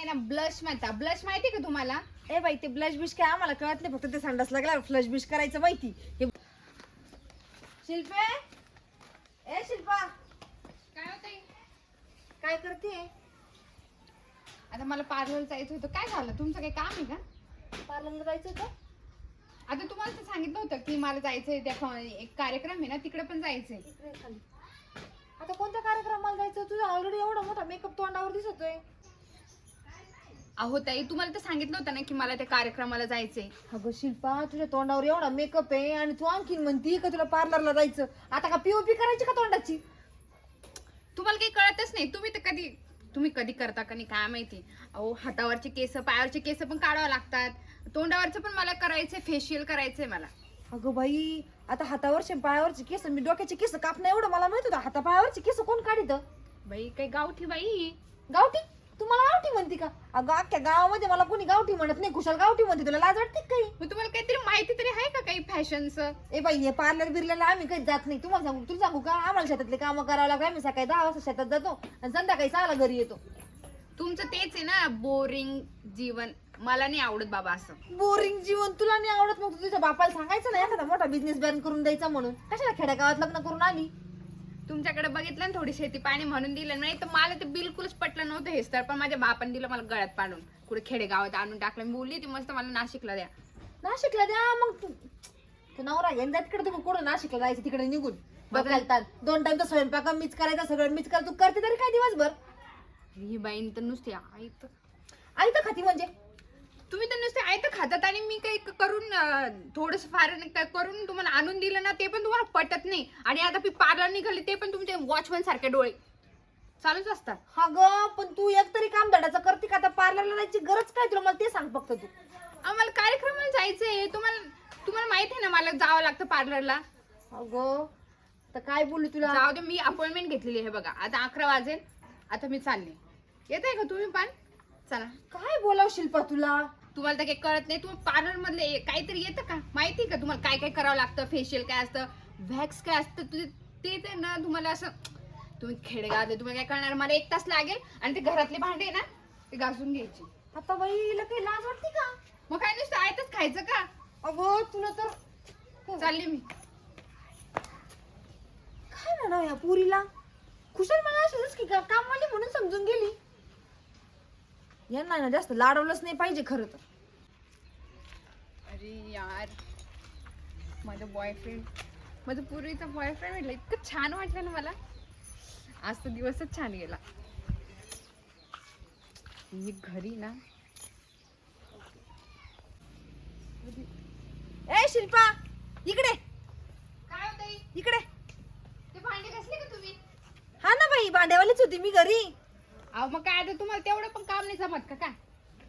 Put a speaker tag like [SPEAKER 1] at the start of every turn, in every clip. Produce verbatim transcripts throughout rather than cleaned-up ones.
[SPEAKER 1] ना ब्लश म्हणता. ब्लश माहिती का तुम्हाला?
[SPEAKER 2] ए बाई ते ब्लश बिश काय आम्हाला कळत नाही, फक्त ते संडास लागला फ्लश बिश करायचं माहिती. हे शिल्पे, ए शिल्पा
[SPEAKER 1] काय होतंय?
[SPEAKER 2] काय करते?
[SPEAKER 1] आता मला पार्लर जायचं होतं. काय झालं? तुमचं काही काम आहे का?
[SPEAKER 2] पार्लरला जायचं होतं.
[SPEAKER 1] आता तुम्हाला तर सांगितलं होतं की मला जायचंय, त्या एक कार्यक्रम आहे ना तिकडे पण जायचंय.
[SPEAKER 2] इकडे खाली. आता कोणत्या कार्यक्रमाला जायचं? तुझा ऑलरेडी एवढा मोठा मेकअप तोंडावर दिसतोय.
[SPEAKER 1] अहो ताई, तुम्हाला तर सांगितलं होतं ना की मला त्या कार्यक्रमाला जायचंय.
[SPEAKER 2] अगं शिल्पा, तुझ्या तोंडावर एवढा मेकअप आहे आणि तू आणखीन म्हणती का तुला पार्लरला जायचं. आता का पीओपी करायची का तोंडाची?
[SPEAKER 1] तुम्हाला काही कळतच नाही. तुम्ही तर कधी तुम्ही कधी करता का नाही काय माहिती. अहो हातावरचे केस, पायावरचे केस पण काढावं लागतात. तोंडावरचं पण मला करायचंय, फेशियल करायचंय मला.
[SPEAKER 2] अगं बाई, आता हातावरचे पायावरचे केस, मी डोक्याचे केस कापणं एवढं मला माहित होतं. हाता पायावरचे केस कोण काढित?
[SPEAKER 1] बाई काही गावठी बाई.
[SPEAKER 2] गावठी? तुम्हाला गावठी म्हणती का? अगं अख्ख्या गावामध्ये मला कोणी गावठी म्हणत नाही, कुशाल गावठी म्हणते. तुला लाज वाटते काही?
[SPEAKER 1] मग तुम्हाला काहीतरी माहिती तरी आहे का काही फॅशनचं?
[SPEAKER 2] ए बाई, हे पार्लर बिर्लरला आम्ही काही जात नाही. तुम्हाला सांगू तुला सांगू का, आम्हाला शेतातले कामं करावं लागतं. आम्ही सकाळी दहा वाजता शेतात जातो आणि संध्याकाळी सहाला घरी येतो.
[SPEAKER 1] तुमचं तेच आहे ना, बोरिंग जीवन. मला नाही आवडत बाबा असं.
[SPEAKER 2] बोरिंग जीवन तुला नाही आवडत? मग तू तुझ्या बापाला सांगायचं ना एखादा मोठा बिझनेस बॅन करून द्यायचा म्हणून. कशाला खेड्यागावात लग्न करून आली?
[SPEAKER 1] तुमच्याकडे बघितलं ना थोडी शेती पाणी म्हणून दिलं नाही तर मला ते बिलकुलच पटलं नव्हतं हे तर. पण माझ्या बापाने दिलं मला गळ्यात पाडून, कुठे खेडेगावात आणून टाकलं. मी बोलली ती मस्त मला नाशिकला द्या.
[SPEAKER 2] नाशिकला द्या मग. तू तू नवरा घेऊन जा तिकडे. तुम्ही कुठं नाशिकला जायचं तिकडे निघून बघायला. दोन टाइम तर स्वयंपाक मीच करायचा, सगळं मीच कर. तू करते तरी काय दिवसभर?
[SPEAKER 1] ही बाईन तर नुसती आई तर
[SPEAKER 2] आई तर खाती म्हणजे?
[SPEAKER 1] तुम्ही तर नुसते आई तर खातात आणि मी काही करून थोडस फार करून तुम्हाला आणून दिलं ना ते पण तुम्हाला पटत नाही. आणि आता मी पार्लर निघाली ते पण तुमचे वॉचमॅन सारखे डोळे चालूच असतात.
[SPEAKER 2] हा ग, पण तू एक तरी काम धडाचं करते का? आता पार्लरला जायची गरज काय तुला? मला ते सांग फक्त तू.
[SPEAKER 1] आम्हाला कार्यक्रमाला जायचंय. तुम्हाला तुम्हाला माहिती आहे ना मला जावं लागतं पार्लरला.
[SPEAKER 2] अगं तर काय बोलू तुला?
[SPEAKER 1] जाऊ दे, मी अपॉइंटमेंट घेतलेली आहे बघा. आता अकरा वाजेल. आता मी चालले. येत आहे का तुम्ही पण? चला.
[SPEAKER 2] काय बोलाव शिल्पा तुला?
[SPEAKER 1] तुम्हाला तर काही कळत नाही. तुम्ही पार्लर मधले काहीतरी येतं का? माहिती का तुम्हाला काय काय करावं लागतं? फेशियल काय असतं, व्हॅक्स काय असतं, ते ते ना तुम्हाला असं. तुम्ही खेडेगावात तुम्हाला काय करणार? मला एक तास लागेल आणि ते घरातले भांडे ना ते घासून घ्यायचे.
[SPEAKER 2] आता बाई हिला काही लाज वाटते का?
[SPEAKER 1] मग काय नुसतं आयतच खायचं का?
[SPEAKER 2] अगं तुला तर
[SPEAKER 1] चालले मी.
[SPEAKER 2] काय ना या पुरीला कुशल मला असंच की का कामवाली म्हणून समजून गेली. यांना ना जास्त लाडवलंच नाही पाहिजे खरं तर.
[SPEAKER 1] अरे यार, माझा बॉयफ्रेंड, माझा पूर्वीचा बॉयफ्रेंड म्हटलं इतकं छान वाटलं ना मला. आज तर दिवसच छान गेला. मी घरी ना.
[SPEAKER 2] ए शिल्पा इकडे
[SPEAKER 1] काय होतंय?
[SPEAKER 2] इकडे.
[SPEAKER 1] ते भांडे घासले का तुम्ही?
[SPEAKER 2] हा ना बाई, भांड्यावालीच होती मी घरी.
[SPEAKER 1] अहो मग काय आता तुम्हाला तेवढं पण काम नाही जमत का? काय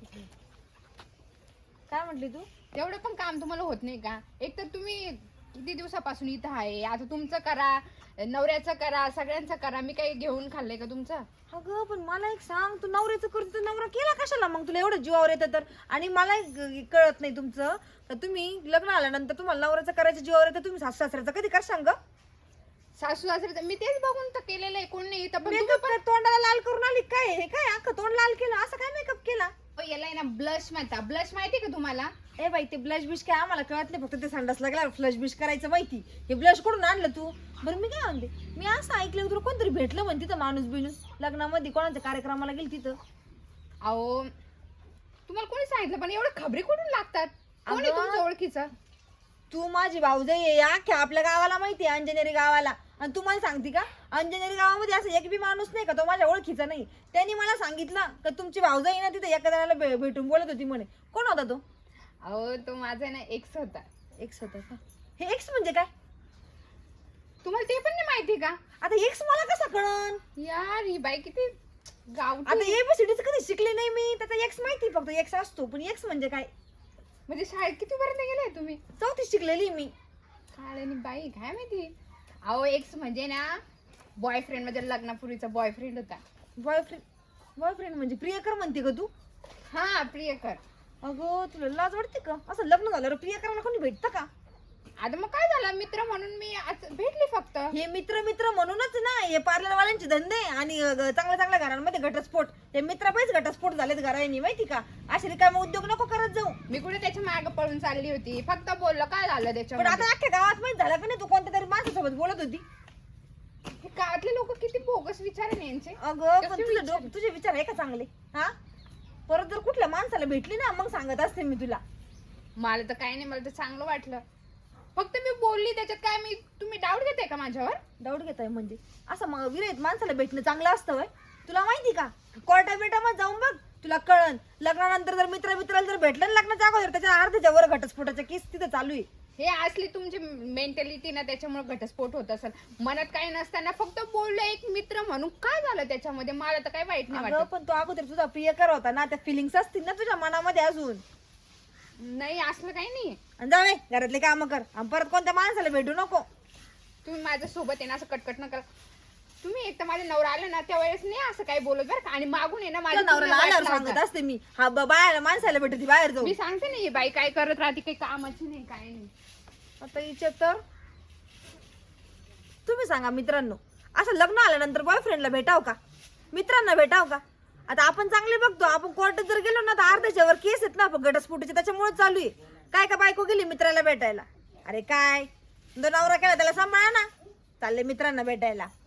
[SPEAKER 2] काय म्हटली तू?
[SPEAKER 1] तेवढं पण काम तुम्हाला होत नाही का? एक तर तुम्ही किती दिवसापासून इथं आहे. आता तुमचं करा, नवऱ्याचं करा, सगळ्यांचं करा. मी काही घेऊन खाल्लंय का तुमचं?
[SPEAKER 2] अगं पण मला एक सांग, तू नवऱ्याचं करतो तर नवरा केला कशाला मग? तुला एवढं जीवावर येतं तर. आणि मला एक ग- कळत नाही तुमचं तर तुम्ही लग्न आल्यानंतर तुम्हाला नवऱ्याचं करायचं जीवावर येतं, तुम्ही सासू सासऱ्याचं कधी कर सांग?
[SPEAKER 1] सासू सासरे मी तेच बघून तर केलेलं आहे. कोण नाही इथं पण तुम्ही
[SPEAKER 2] मेकअप तोंडाला लाल करून आली काय? हे काय अख्खं तोंड लाल केलं? असं काय मेकअप केला?
[SPEAKER 1] पण याला आहे ना ब्लश म्हणता. ब्लश माहिती का तुम्हाला?
[SPEAKER 2] ए बाई ते ब्लश बिश काय आम्हाला कळत नाही, फक्त ते संडास लागला फ्लश बिश करायचं माहिती. हे ब्लश कुठून आणलं तू? बरं मी काय म्हणते, मी असं ऐकलं तुला कोणतरी भेटलं म्हणते तिथं माणूस बिनूस लग्नामध्ये, कोणाच्या कार्यक्रमाला गेली तिथं.
[SPEAKER 1] अहो तुम्हाला कोणी सांगितलं? पण एवढं खबरी कुठून लागतात? कोण आहे
[SPEAKER 2] अगं,
[SPEAKER 1] तुमच्या ओळखीचं?
[SPEAKER 2] तू माझी भाऊजाई आहे, अख्ख्या आपल्या गावाला माहिती आहे, अंजनेरी गावाला. आणि तू मला सांगते का अंजनेरी गावामध्ये असं एक बी माणूस नाही का तो माझ्या ओळखीचा नाही? त्यांनी मला सांगितलं का तुमची भाऊजाई ना तिथे एका जणाला भे- भेटून बोलत होती म्हणे. कोण होता तो?
[SPEAKER 1] अहो तो माझा ना एक्स होता.
[SPEAKER 2] एक्स होता का? हे एक्स म्हणजे काय?
[SPEAKER 1] तुम्हाला ते पण नाही माहिती का?
[SPEAKER 2] आता एक्स मला कसा कळन?
[SPEAKER 1] यार ही बाई किती गाव.
[SPEAKER 2] आता एबीसीडीच कधी शिकले नाही मी, त्याचा एक्स माहिती फक्त एक्स असतो, पण एक्स म्हणजे काय?
[SPEAKER 1] म्हणजे शाळेत किती पर्यंत गेलाय तुम्ही?
[SPEAKER 2] चौथी शिकलेली मी.
[SPEAKER 1] काळे आणि बाई काय माहिती. अहो एक्स म्हणजे ना बॉयफ्रेंड, म्हणजे लग्नापूर्वीचा बॉयफ्रेंड होता.
[SPEAKER 2] बॉयफ्रेंड? बॉयफ्रेंड म्हणजे प्रियकर म्हणते का तू?
[SPEAKER 1] हा प्रियकर.
[SPEAKER 2] अगं तुला लाज वाटते का? असं लग्न झाल्यावर प्रियकराला कोणी भेटतं का?
[SPEAKER 1] आता मग काय झालं, मित्र म्हणून मी आज भेटली फक्त.
[SPEAKER 2] हे मित्र मित्र म्हणूनच ना हे पार्लरवाल्यांचे धंदे आणि अ, ग- चांगल्या चांगल्या घरांमध्ये घटस्फोट. हे मित्र पैसे घटस्फोट झालेत घरांनी माहिती का. असे रिकामे उद्योग नको करत जाऊ.
[SPEAKER 1] मी कुठे त्याच्या मागे पळून चालली होती, फक्त बोललं काय झालं
[SPEAKER 2] पण
[SPEAKER 1] त्याच्यामध्ये.
[SPEAKER 2] आता अख्ख्या गावात माहित झालं का नाही तू कोणत्या तरी माणसासोबत बोलत होती.
[SPEAKER 1] हे गावातले लोक किती बोगस विचार आहे ना यांचे.
[SPEAKER 2] अगं पण
[SPEAKER 1] कसे
[SPEAKER 2] तुझे
[SPEAKER 1] विचार?
[SPEAKER 2] डोक- तुझे विचार आहे का चांगले हा. परत जर कुठल्या माणसाला भेटली ना मग सांगत असते मी तुला.
[SPEAKER 1] मला तर काही नाही, मला तर चांगलं वाटलं. फक्त मी बोलली त्याच्यात काय, मी तुम्ही डाऊट घेताय का माझ्यावर?
[SPEAKER 2] डाऊट घेताय म्हणजे असं मग विरहित माणसाला भेटणं चांगलं असतं वय. तुला माहिती का कोर्टा बिटामध्ये जाऊन बघ तुला कळन. लग्नानंतर जर मित्र मित्राला जर भेटलं ना लग्नाच्या अगोदर त्याच्या अर्ध्याच्या वर घटस्फोटाच्या केस तिथं चालू आहे.
[SPEAKER 1] हे असली तुमची मेंटॅलिटी ना, त्याच्यामुळे घटस्फोट होत असेल. मनात काही नसताना फक्त बोललं एक मित्र म्हणून, काय झालं त्याच्यामध्ये, मला तर काही वाईट नाही
[SPEAKER 2] अगं
[SPEAKER 1] वाटत.
[SPEAKER 2] पण तो अगोदर तुझा प्रियकर होता ना, त्या फिलिंग्स असतील ना तुझ्या मनामध्ये अजून.
[SPEAKER 1] नाही असलं काही नाही.
[SPEAKER 2] आणि जावे घरातले काम कर आणि परत कोणत्या माणसाला भेटू नको.
[SPEAKER 1] तुम्ही माझ्या सोबत आहे ना असं कटकट न करा. तुम्ही एक तर माझे नवरा आले ना त्यावेळेस नाही असं काही बोलत बरं का. आणि मागून आहे ना
[SPEAKER 2] तुझ्या
[SPEAKER 1] माझ्या
[SPEAKER 2] नवऱ्याला
[SPEAKER 1] पूर्ण
[SPEAKER 2] आल्यावर
[SPEAKER 1] वाट
[SPEAKER 2] सांगत
[SPEAKER 1] लावतात.
[SPEAKER 2] असते मी हा ब- बाहेर माणसाला भेटती बाहेर जाऊ.
[SPEAKER 1] मी सांगते ना ही बाई काय करत राहते, काही कामाची नाही काय नाही.
[SPEAKER 2] आता हिचे तर तुम्ही सांगा मित्रांनो, असं लग्न आल्यानंतर बॉयफ्रेंडला भेटाव का, मित्रांना भेटाव का. आता आपण चांगले बघतो, आपण कोर्टात जर गेलो ना तर अर्ध्याच्या वर केस आहेत ना आपण घटस्फोटाचे, त्याच्यामुळे चालू आहे. काय का बायको गेली मित्राला भेटायला, अरे काय तो नवरा केला त्याला सांभाळा ना, चालले मित्रांना भेटायला.